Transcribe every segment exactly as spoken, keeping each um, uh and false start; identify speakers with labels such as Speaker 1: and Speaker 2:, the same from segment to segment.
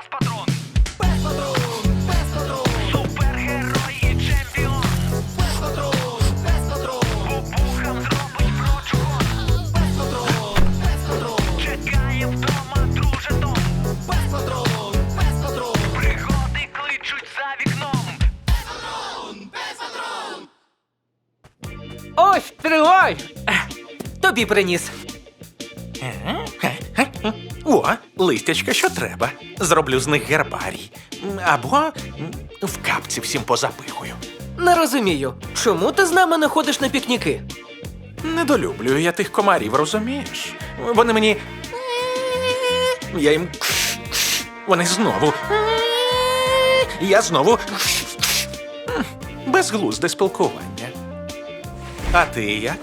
Speaker 1: Пес-патрон! Пес-патрон! Пес-патрон! Супергерой і чемпіон! Пес-патрон! Пес-патрон! Бубухам зробить прочухон! Пес-патрон! Пес-патрон! Чекає вдома друже Том! Пес-патрон! Пес-патрон! Пригоди кличуть за вікном! Пес-патрон! Пес-патрон!
Speaker 2: Ось, тривай! Тобі приніс.
Speaker 3: О, листячка, що треба. Зроблю з них гербарій. Або м, в капці всім позапихую.
Speaker 2: Не розумію, чому ти з нами не ходиш на пікніки?
Speaker 3: Недолюблюю я тих комарів, розумієш? Вони мені... Я їм... Вони знову... Я знову... Безглузде спілкування. А ти як?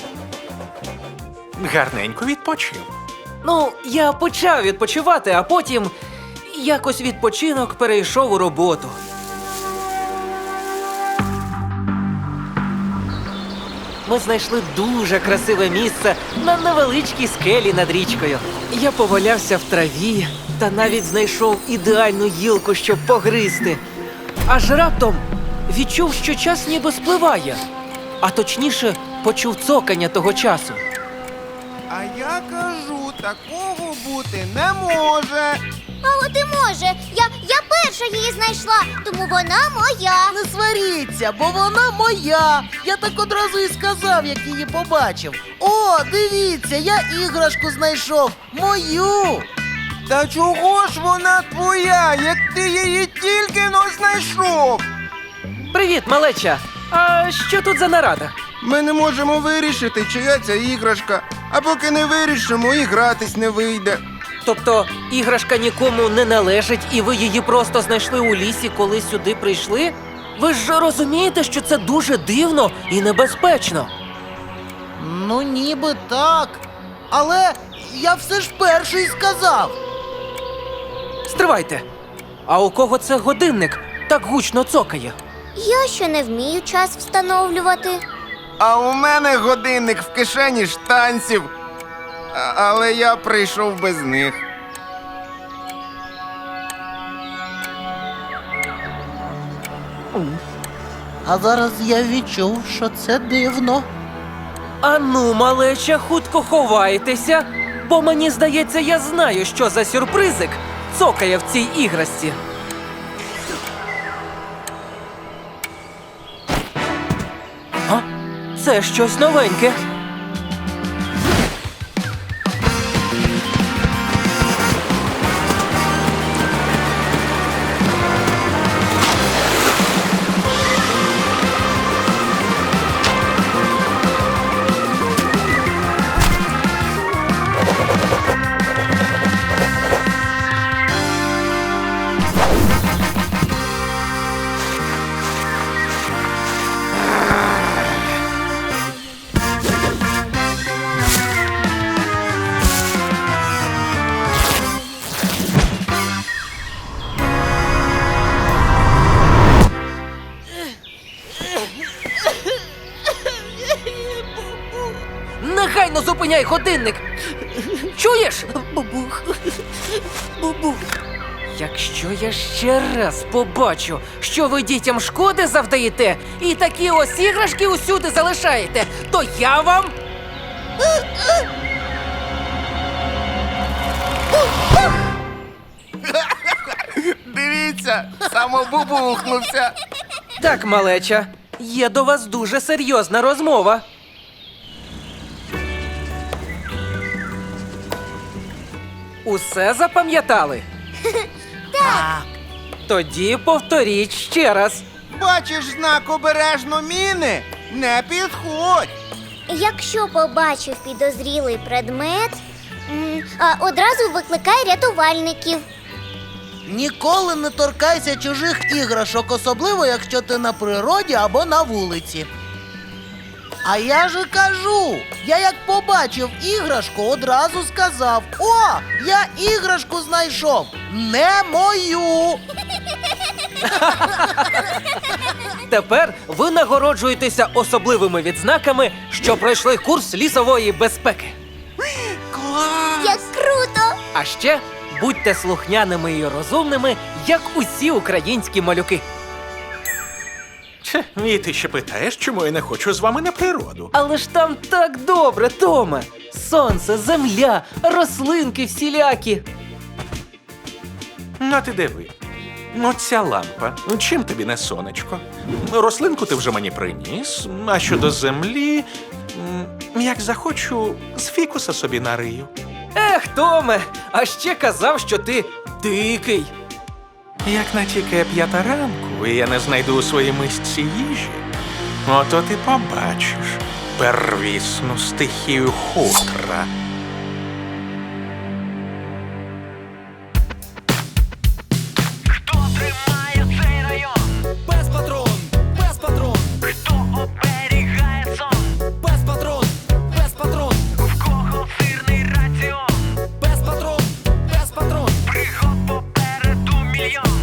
Speaker 3: Гарненько відпочив.
Speaker 2: Ну, я почав відпочивати, а потім якось відпочинок перейшов у роботу. Ми знайшли дуже красиве місце на невеличкій скелі над річкою. Я повалявся в траві та навіть знайшов ідеальну гілку, щоб погризти. Аж раптом відчув, що час ніби спливає. А точніше, почув цокання того часу.
Speaker 4: А я кажу, такого бути не може.
Speaker 5: А от і може. Я, я перша її знайшла, тому вона моя.
Speaker 6: Не сваріться, бо вона моя. Я так одразу і сказав, як її побачив. О, дивіться, я іграшку знайшов. Мою.
Speaker 4: Та чого ж вона твоя, як ти її тільки но знайшов?
Speaker 2: Привіт, малеча! А що тут за нарада?
Speaker 4: Ми не можемо вирішити, чия ця іграшка. А поки не вирішимо, і гратись не вийде.
Speaker 2: Тобто іграшка нікому не належить і ви її просто знайшли у лісі, коли сюди прийшли? Ви ж розумієте, що це дуже дивно і небезпечно.
Speaker 6: Ну, ніби так. Але я все ж перший сказав.
Speaker 2: Стривайте! А у кого це годинник так гучно цокає?
Speaker 5: Я ще не вмію час встановлювати.
Speaker 4: А у мене годинник в кишені штанців. А- але я прийшов без них.
Speaker 6: А зараз я відчув, що це дивно.
Speaker 2: Ану, малеча, хутко ховайтеся, бо мені здається, я знаю, що за сюрпризик цокає в цій іграшці. А? Це щось новеньке. Негайно зупиняй годинник! Чуєш?
Speaker 6: Бубух. Бубух.
Speaker 2: Якщо я ще раз побачу, що ви дітям шкоди завдаєте і такі ось іграшки усюди залишаєте, то я вам...
Speaker 4: Дивіться, самобубухнувся.
Speaker 2: Так, малеча, є до вас дуже серйозна розмова. Усе запам'ятали?
Speaker 6: Так.
Speaker 2: Тоді повторіть ще раз.
Speaker 4: Бачиш знак обережно міни? Не підходь.
Speaker 5: Якщо побачив підозрілий предмет, м, а, одразу викликай рятувальників.
Speaker 6: Ніколи не торкайся чужих іграшок, особливо, якщо ти на природі або на вулиці. А я же кажу, я як побачив іграшку, одразу сказав: о, я іграшку знайшов, не мою.
Speaker 2: Тепер ви нагороджуєтеся особливими відзнаками, що пройшли курс лісової безпеки.
Speaker 4: Клас!
Speaker 5: Як круто!
Speaker 2: А ще будьте слухняними і розумними, як усі українські малюки.
Speaker 3: Че, і ти ще питаєш, чому я не хочу з вами на природу?
Speaker 2: Але ж там так добре, Томе. Сонце, земля, рослинки всілякі.
Speaker 3: Ну, ти диви. Оця лампа. Чим тобі не сонечко? Рослинку ти вже мені приніс. А щодо землі, м, як захочу, з фікуса собі нарию.
Speaker 2: Ех, Томе, а ще казав, що ти дикий.
Speaker 3: Як натікає п'ята ранку, і я не знайду у своїй мисці їжі, ото ти побачиш первісну стихію хутра.
Speaker 1: Хто тримає цей район? Без патрон, без патрон. Хто оберігає сон? Без патрон, без патрон. В кого сирний раціон? Без патрон, без патрон. Пригод попереду мільйон.